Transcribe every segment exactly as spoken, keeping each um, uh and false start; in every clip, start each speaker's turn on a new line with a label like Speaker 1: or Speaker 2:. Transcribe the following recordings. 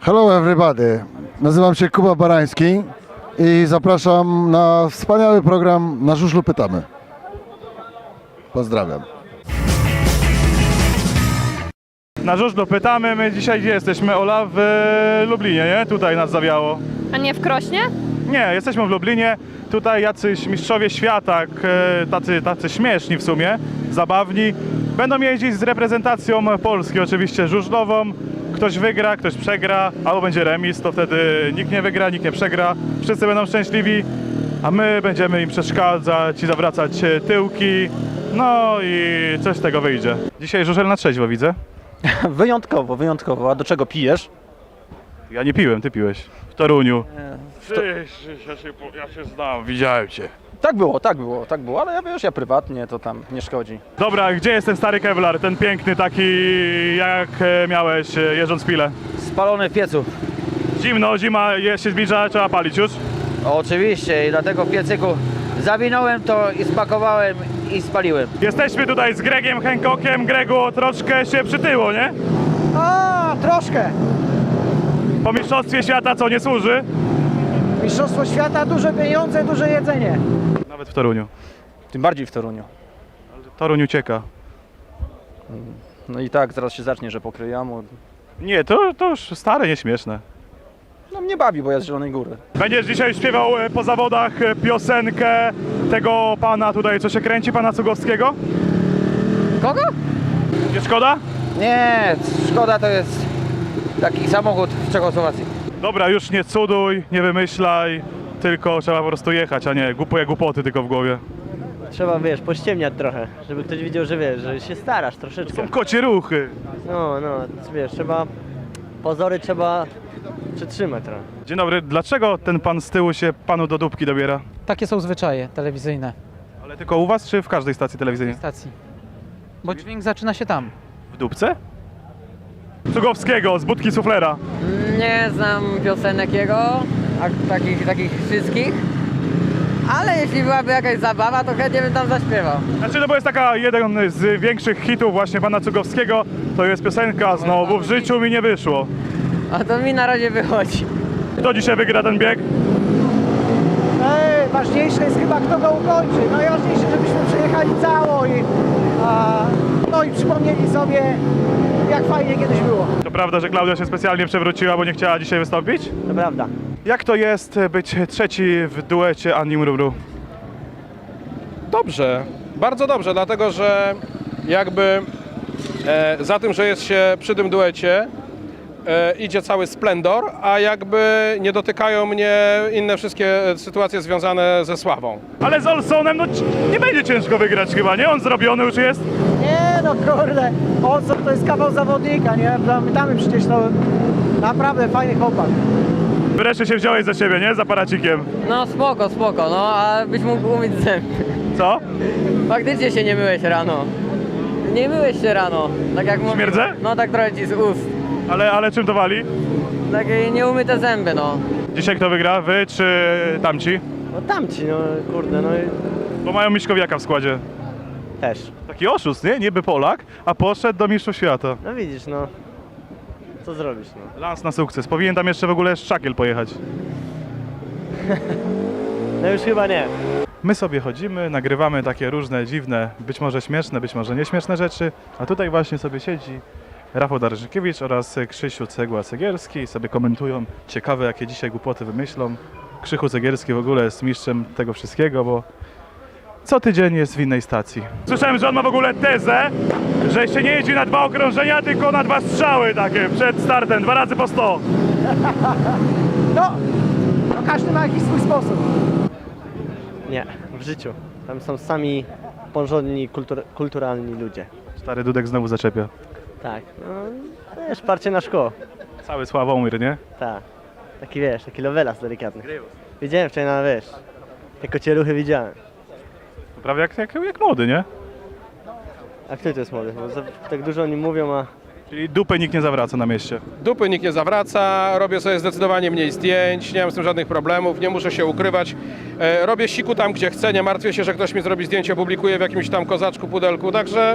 Speaker 1: Hello everybody, nazywam się Kuba Barański i zapraszam na wspaniały program Na Żużlu Pytamy. Pozdrawiam.
Speaker 2: Na Żużlu Pytamy, my dzisiaj gdzie jesteśmy, Ola? W Lublinie, nie? Tutaj nas zawiało.
Speaker 3: A nie w Krośnie?
Speaker 2: Nie, jesteśmy w Lublinie, tutaj jacyś mistrzowie świata, tacy, tacy śmieszni w sumie, zabawni. Będą jeździć z reprezentacją Polski, oczywiście żużlową. Ktoś wygra, ktoś przegra, albo będzie remis, to wtedy nikt nie wygra, nikt nie przegra. Wszyscy będą szczęśliwi, a my będziemy im przeszkadzać i zawracać tyłki. No i coś z tego wyjdzie. Dzisiaj żużel na trzeźwo widzę.
Speaker 4: Wyjątkowo, wyjątkowo. A do czego pijesz?
Speaker 2: Ja nie piłem, ty piłeś. W Toruniu.
Speaker 4: W to...
Speaker 2: Ja się, ja się znam, widziałem cię.
Speaker 4: Tak było, tak było, tak było, ale ja wiesz, ja prywatnie, to tam nie szkodzi.
Speaker 2: Dobra, gdzie jest ten stary Kevlar, ten piękny taki, jak e, miałeś e, jeżdżąc pilę?
Speaker 5: Spalony w piecu.
Speaker 2: Zimno, zima je, się zbliża, trzeba palić już.
Speaker 5: Oczywiście i dlatego w piecyku zawinąłem to i spakowałem i spaliłem.
Speaker 2: Jesteśmy tutaj z Gregiem Hancockiem. Gregu, troszkę się przytyło, nie?
Speaker 6: A, troszkę.
Speaker 2: Po mistrzostwie świata co nie służy?
Speaker 6: Mistrzostwo świata, duże pieniądze, duże jedzenie.
Speaker 2: Nawet w Toruniu.
Speaker 4: Tym bardziej w Toruniu.
Speaker 2: Toruń ucieka.
Speaker 4: No i tak, zaraz się zacznie, że pokryjamu.
Speaker 2: Nie, to, to już stare, nieśmieszne.
Speaker 4: No mnie bawi, bo ja z Zielonej Góry.
Speaker 2: Będziesz dzisiaj śpiewał e, po zawodach e, piosenkę tego pana tutaj, co się kręci, pana Cugowskiego?
Speaker 5: Kogo?
Speaker 2: Nie szkoda?
Speaker 5: Nie, Szkoda to jest taki samochód w Czechosłowacji.
Speaker 2: Dobra, już nie cuduj, nie wymyślaj, tylko trzeba po prostu jechać, a nie głupie głupoty tylko w głowie.
Speaker 7: Trzeba, wiesz, pościemniać trochę, żeby ktoś widział, że wiesz, że się starasz troszeczkę.
Speaker 2: Są kocie ruchy.
Speaker 7: No, no, wiesz, trzeba, pozory trzeba przytrzymać trochę.
Speaker 2: Dzień dobry, dlaczego ten pan z tyłu się panu do dupki dobiera?
Speaker 8: Takie są zwyczaje telewizyjne
Speaker 2: Ale tylko u was, czy w każdej stacji telewizyjnej?
Speaker 8: stacji. Bo dźwięk zaczyna się tam.
Speaker 2: W dupce? Cugowskiego, z budki suflera.
Speaker 9: Nie znam piosenek jego, a takich, takich wszystkich. Ale jeśli byłaby jakaś zabawa, to chętnie bym tam zaśpiewał.
Speaker 2: Znaczy, no bo jest taka jeden z większych hitów właśnie pana Cugowskiego, to jest piosenka Znowu w życiu mi nie wyszło.
Speaker 9: A to mi na razie wychodzi.
Speaker 2: Kto dzisiaj wygra ten bieg?
Speaker 6: Ej, ważniejsze jest chyba, kto go ukończy. Najważniejsze, żebyśmy przejechali cało i, a, no i przypomnieli sobie, jak fajnie kiedyś było.
Speaker 2: To prawda, że Klaudia się specjalnie przewróciła, bo nie chciała dzisiaj wystąpić?
Speaker 7: To prawda.
Speaker 2: Jak to jest być trzeci w duecie Ani Mrumru?
Speaker 10: Dobrze, bardzo dobrze, dlatego że jakby e, za tym, że jest się przy tym duecie, e, idzie cały splendor, a jakby nie dotykają mnie inne wszystkie sytuacje związane ze sławą.
Speaker 2: Ale z Olsonem, no c- nie będzie ciężko wygrać chyba, nie? On zrobiony już jest.
Speaker 6: Nie no kurde, Olson to jest kawał zawodnika, nie? Pamiętamy przecież to naprawdę fajny chłopak.
Speaker 2: Wreszcie się wziąłeś za siebie, nie? Z aparacikiem.
Speaker 9: No spoko, spoko, no a byś mógł umyć zęby.
Speaker 2: Co?
Speaker 9: Faktycznie się nie myłeś rano. Nie myłeś się rano, tak jak mówię.
Speaker 2: Śmierdzę?
Speaker 9: No tak trochę ci z ust.
Speaker 2: Ale, ale czym to wali?
Speaker 9: Takie nieumyte zęby, no.
Speaker 2: Dzisiaj kto wygra? Wy czy tamci?
Speaker 7: No tamci, no kurde, no i
Speaker 2: Bo mają Miśkowiaka w składzie.
Speaker 7: też.
Speaker 2: Taki oszust, nie? Niby Polak, a poszedł do mistrzów świata.
Speaker 7: No widzisz, no. Co zrobisz, no.
Speaker 2: Lans na sukces. Powinien tam jeszcze w ogóle Szczakiel pojechać.
Speaker 7: No już chyba nie.
Speaker 2: My sobie chodzimy, nagrywamy takie różne dziwne, być może śmieszne, być może nieśmieszne rzeczy, a tutaj właśnie sobie siedzi Rafał Darżykiewicz oraz Krzysiu Cegła-Cegierski i sobie komentują ciekawe, jakie dzisiaj głupoty wymyślą. Krzychu Cegierski w ogóle jest mistrzem tego wszystkiego, bo co tydzień jest w innej stacji. Słyszałem, że on ma w ogóle tezę, że się nie jeździ na dwa okrążenia, tylko na dwa strzały takie przed startem, dwa razy po sto.
Speaker 6: No, no każdy ma jakiś swój sposób.
Speaker 7: Nie, w życiu. Tam są sami porządni, kultur kulturalni ludzie.
Speaker 2: Stary Dudek znowu zaczepia.
Speaker 7: Tak, no wiesz, parcie na szkło.
Speaker 2: Cały Sławomir, nie?
Speaker 7: Tak. Taki wiesz, taki lovelas delikatny. Widziałem wczoraj na, wiesz, te kocie ruchy widziałem.
Speaker 2: To prawie jak, jak, jak młody, nie?
Speaker 7: A kto to jest młody? Bo za, tak dużo o nim mówią, a
Speaker 2: Czyli dupy nikt nie zawraca na mieście.
Speaker 10: Dupy nikt nie zawraca, robię sobie zdecydowanie mniej zdjęć, nie mam z tym żadnych problemów, nie muszę się ukrywać. E, robię siku tam, gdzie chcę, nie martwię się, że ktoś mi zrobi zdjęcie, publikuje w jakimś tam kozaczku, pudelku, także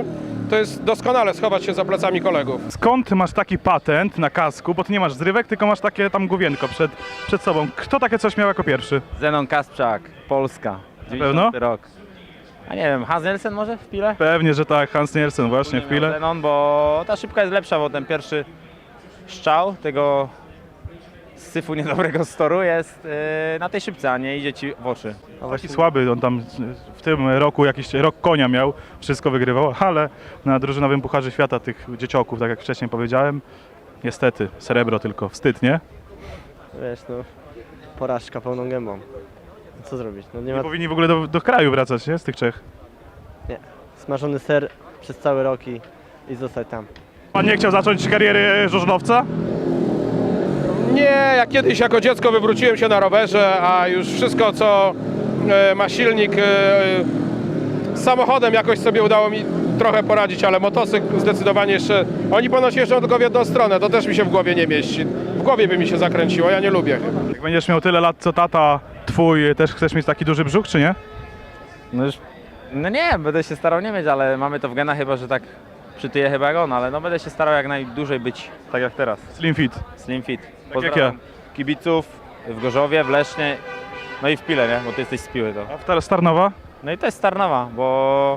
Speaker 10: to jest doskonale schować się za plecami kolegów.
Speaker 2: Skąd ty masz taki patent na kasku, bo ty nie masz zrywek, tylko masz takie tam główienko przed, przed sobą. Kto takie coś miał jako pierwszy?
Speaker 3: Zenon Kasprzak, Polska, dziewięćdziesiąty rok. A nie wiem, Hans Nielsen może w pile?
Speaker 2: Pewnie, że tak, Hans Nielsen właśnie w chwilę.
Speaker 3: Zenon, bo ta szybka jest lepsza, bo ten pierwszy strzał tego syfu niedobrego z toru jest yy, na tej szybce, a nie idzie ci w oczy.
Speaker 2: Taki słaby, on tam w tym roku jakiś rok konia miał, wszystko wygrywał, ale na drużynowym Pucharze Świata tych dziecioków, tak jak wcześniej powiedziałem, niestety, srebro tylko, wstyd, nie?
Speaker 7: Wiesz, no, porażka pełną gębą. Co zrobić? No nie
Speaker 2: Nie
Speaker 7: ma...
Speaker 2: powinni w ogóle do, do kraju wracać, nie? Z tych Czech.
Speaker 7: Nie. Smażony ser przez cały rok i, i zostać tam.
Speaker 2: Pan nie chciał zacząć kariery żużlowca?
Speaker 10: Nie, ja kiedyś jako dziecko wywróciłem się na rowerze, a już wszystko co e, ma silnik e, z samochodem jakoś sobie udało mi trochę poradzić, ale motocykl zdecydowanie jeszcze, oni ponoć jeżdżą tylko w jedną stronę, to też mi się w głowie nie mieści. W głowie by mi się zakręciło, ja nie lubię chyba.
Speaker 2: Jak będziesz miał tyle lat co tata twój, też chcesz mieć taki duży brzuch, czy nie?
Speaker 3: No już, no nie, będę się starał nie mieć, ale mamy to w genach chyba, że tak przytyję chyba jak on, ale no będę się starał jak najdłużej być tak jak teraz.
Speaker 2: Slim fit.
Speaker 3: Slim fit.
Speaker 2: Tak jak ja.
Speaker 3: Kibiców w Gorzowie, w Lesznie, no i w Pile, nie? Bo ty jesteś z Piły to.
Speaker 2: A w Tar- Starnowa?
Speaker 3: No i to jest Starnowa, bo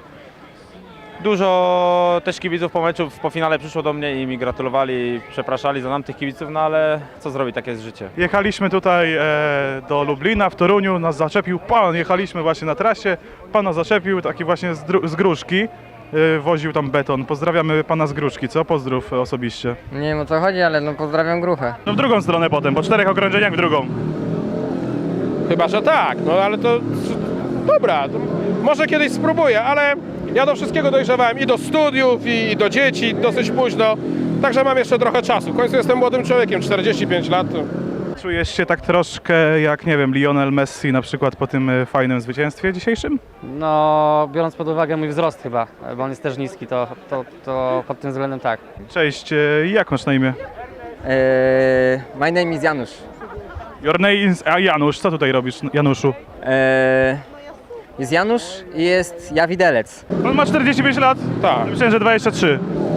Speaker 3: dużo też kibiców po meczu po finale przyszło do mnie i mi gratulowali, przepraszali za nam tych kibiców, no ale co zrobić, takie jest życie.
Speaker 2: Jechaliśmy tutaj e, do Lublina, w Toruniu, nas zaczepił pan, jechaliśmy właśnie na trasie, pan nas zaczepił, taki właśnie z, dru- z Gruszki, e, woził tam beton. Pozdrawiamy pana z Gruszki, co? Pozdrów osobiście.
Speaker 9: Nie wiem o co chodzi, ale no pozdrawiam Gruchę.
Speaker 2: No w drugą stronę potem, po czterech okrążeniach w drugą.
Speaker 10: Chyba, że tak, no ale to dobra, to może kiedyś spróbuję, ale ja do wszystkiego dojrzewałem i do studiów, i, i do dzieci dosyć późno, także mam jeszcze trochę czasu. W końcu jestem młodym człowiekiem, czterdzieści pięć lat.
Speaker 2: Czujesz się tak troszkę jak, nie wiem, Lionel Messi na przykład po tym e, fajnym zwycięstwie dzisiejszym?
Speaker 8: No, biorąc pod uwagę mój wzrost chyba, bo on jest też niski, to, to, to pod tym względem tak.
Speaker 2: Cześć, e, jak masz na imię?
Speaker 9: Eee, my name is Janusz.
Speaker 2: Your name is... A Janusz, co tutaj robisz, Januszu?
Speaker 9: Eee, jest Janusz i jest ja widelec.
Speaker 2: On ma czterdzieści pięć lat?
Speaker 10: Tak,
Speaker 2: Myślałem, że dwadzieścia trzy.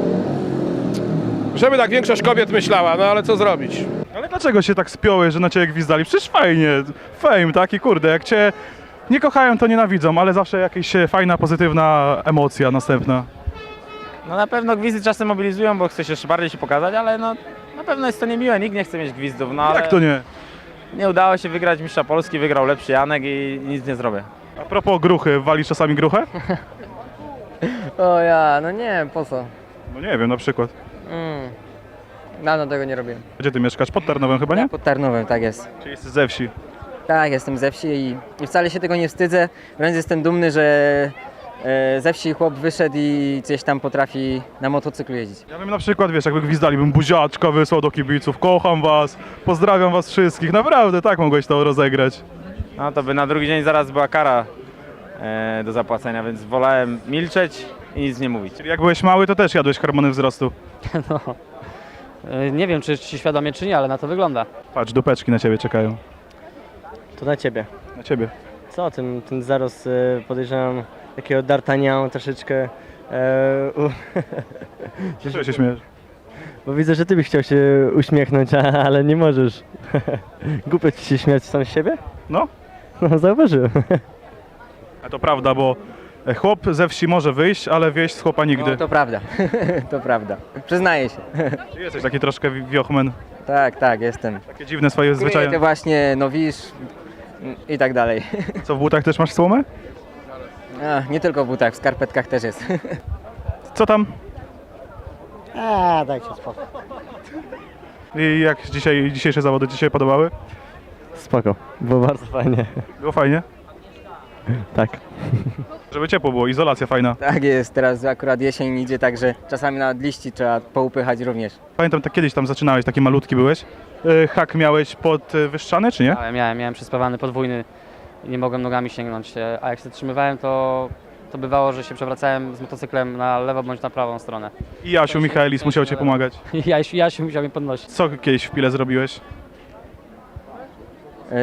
Speaker 10: żeby tak większość kobiet myślała, no ale co zrobić?
Speaker 2: Ale dlaczego się tak spiąłeś, że na ciebie gwizdali? Przecież fajnie, fame taki, kurde, jak cię nie kochają, to nienawidzą, ale zawsze jakaś e, fajna, pozytywna emocja następna.
Speaker 3: No na pewno gwizdy czasem mobilizują, bo chce się jeszcze bardziej się pokazać, ale no na pewno jest to niemiłe, nikt nie chce mieć gwizdów, no ale
Speaker 2: Jak to nie?
Speaker 3: nie udało się wygrać mistrza Polski, wygrał lepszy Janek i nic nie zrobię.
Speaker 2: A propos gruchy, walisz czasami gruchę?
Speaker 9: O ja, no nie, po co?
Speaker 2: No nie wiem, na przykład.
Speaker 9: Mm. Dawno tego nie robiłem.
Speaker 2: Gdzie ty mieszkasz? Pod Tarnowem chyba, nie?
Speaker 9: Pod Tarnowem, tak jest.
Speaker 2: Czy jesteś ze wsi?
Speaker 9: Tak, jestem ze wsi i, i wcale się tego nie wstydzę. Wręcz jestem dumny, że e, ze wsi chłop wyszedł i gdzieś tam potrafi na motocyklu jeździć.
Speaker 2: Ja bym na przykład, wiesz, jakby gwizdali, bym buziaczka wysłał do kibiców, kocham was, pozdrawiam was wszystkich, naprawdę tak mogłeś to rozegrać.
Speaker 3: No to by na drugi dzień zaraz była kara e, do zapłacenia, więc wolałem milczeć i nic nie mówić.
Speaker 2: Czyli jak byłeś mały, to też jadłeś hormony wzrostu.
Speaker 8: No, e, nie wiem czy, czy świadomie czy nie, ale na to wygląda.
Speaker 2: Patrz, dupeczki na ciebie czekają.
Speaker 7: To na ciebie.
Speaker 2: Na ciebie.
Speaker 7: Co, ten, ten zarost y, podejrzewam takiego D'Artagnan troszeczkę. E, u...
Speaker 2: Czego się śmiejesz?
Speaker 7: Bo widzę, że ty byś chciał się uśmiechnąć, a, ale nie możesz. Głupio ci się śmiać sam z siebie?
Speaker 2: No,
Speaker 7: No, zauważyłem.
Speaker 2: a to prawda, bo chłop ze wsi może wyjść, ale wieś z chłopa nigdy.
Speaker 9: No, to prawda, to prawda. Przyznaję się.
Speaker 2: Ty jesteś taki troszkę wi- wiochmen,
Speaker 9: Tak, tak, jestem.
Speaker 2: takie dziwne swoje
Speaker 9: Kryję
Speaker 2: zwyczaje.
Speaker 9: te właśnie nowisz i tak dalej.
Speaker 2: Co, w butach też masz słomę?
Speaker 9: A, nie tylko w butach, w skarpetkach też jest.
Speaker 2: Co tam?
Speaker 6: A, dajcie spokój.
Speaker 2: I jak dzisiaj, dzisiejsze zawody ci się podobały?
Speaker 7: Spoko, było bardzo fajnie.
Speaker 2: Było fajnie?
Speaker 7: Tak.
Speaker 2: Żeby ciepło było, izolacja fajna.
Speaker 9: Tak jest, teraz akurat jesień idzie, także czasami nawet liści trzeba poupychać również.
Speaker 2: Pamiętam, tak kiedyś tam zaczynałeś, taki malutki byłeś. Yy, Hak miałeś podwyższany, czy nie?
Speaker 8: Ale miałem, miałem przyspawany podwójny i nie mogłem nogami sięgnąć, e, a jak się zatrzymywałem, to, to bywało, że się przewracałem z motocyklem na lewo bądź na prawą stronę.
Speaker 2: I Jasiu Michaelis musiał cię pomagać.
Speaker 8: I ja, ja się musiał mnie podnosić.
Speaker 2: Co kiedyś w Pile zrobiłeś?
Speaker 9: Yy,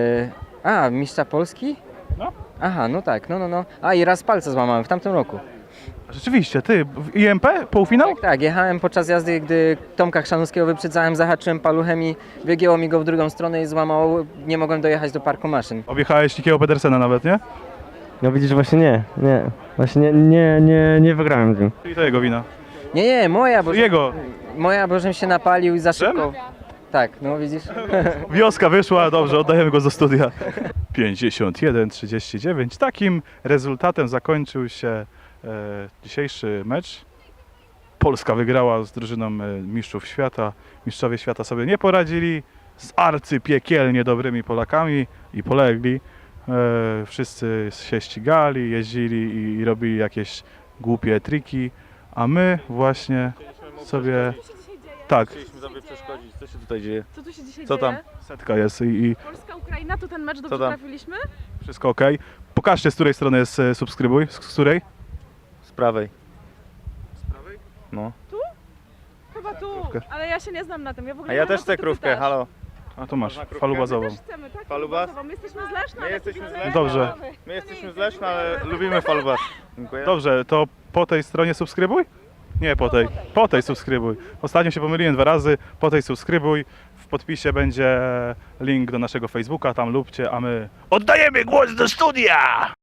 Speaker 9: a, mistrza Polski?
Speaker 2: No.
Speaker 9: Aha, no tak, no, no, no. A i raz palce złamałem w tamtym roku.
Speaker 2: Rzeczywiście, ty, w I M P półfinał?
Speaker 9: Tak, tak, jechałem podczas jazdy, gdy Tomka Chrzanowskiego wyprzedzałem, zahaczyłem paluchem i wygięło mi go w drugą stronę i złamało, nie mogłem dojechać do parku maszyn.
Speaker 2: Objechałeś Nikiego Pedersena nawet, nie?
Speaker 7: No widzisz, właśnie nie, nie. Właśnie nie, nie, nie, nie wygrałem z nim.
Speaker 2: I to jego wina.
Speaker 9: Nie, nie, moja, bo...
Speaker 2: Jego.
Speaker 9: Moja, bo żem się napalił i za
Speaker 2: Czym?
Speaker 9: szybko... Tak, no widzisz?
Speaker 2: Wioska wyszła, dobrze, oddajemy go do studia. pięćdziesiąt jeden trzydzieści dziewięć. Takim rezultatem zakończył się e, dzisiejszy mecz. Polska wygrała z drużyną e, mistrzów świata. Mistrzowie świata sobie nie poradzili z arcypiekielnie dobrymi Polakami i polegli. E, wszyscy się ścigali, jeździli i, i robili jakieś głupie triki, a my właśnie sobie... Tak,
Speaker 11: Chcieliśmy sobie przeszkodzić. Co się tutaj dzieje?
Speaker 12: Co tu się dzisiaj
Speaker 11: Co
Speaker 12: dzieje?
Speaker 11: tam?
Speaker 2: setka jest i, i
Speaker 12: Polska-Ukraina, to ten mecz dobrze
Speaker 11: Co tam?
Speaker 12: trafiliśmy?
Speaker 2: wszystko ok. Pokażcie, z której strony jest e, subskrybuj. Z, z której?
Speaker 11: Z prawej. Z prawej? No.
Speaker 12: Chyba tu,
Speaker 2: Krówkę.
Speaker 12: ale ja się nie znam na tym. Ja w ogóle
Speaker 11: A
Speaker 12: nie
Speaker 11: ja
Speaker 12: wiem, o
Speaker 11: też
Speaker 12: co
Speaker 11: chcę
Speaker 12: ty
Speaker 11: krówkę,
Speaker 12: pytasz.
Speaker 11: halo.
Speaker 2: A tu masz,
Speaker 11: Można krówkę?
Speaker 2: falubazową.
Speaker 12: My też chcemy, tak?
Speaker 11: Falubas?
Speaker 12: falubazową. My jesteśmy z Leszna,
Speaker 11: My
Speaker 12: ale
Speaker 11: jesteśmy
Speaker 12: kibicujemy
Speaker 11: z Leszna.
Speaker 2: Dobrze.
Speaker 12: Warszawy.
Speaker 11: My jesteśmy z Leszna, ale lubimy falubas. Dziękuję.
Speaker 2: Dobrze, to po tej stronie subskrybuj? Nie, po tej. Po tej subskrybuj. Ostatnio się pomyliłem dwa razy. Po tej subskrybuj. W podpisie będzie link do naszego Facebooka, tam lubcie, a my oddajemy głos do studia!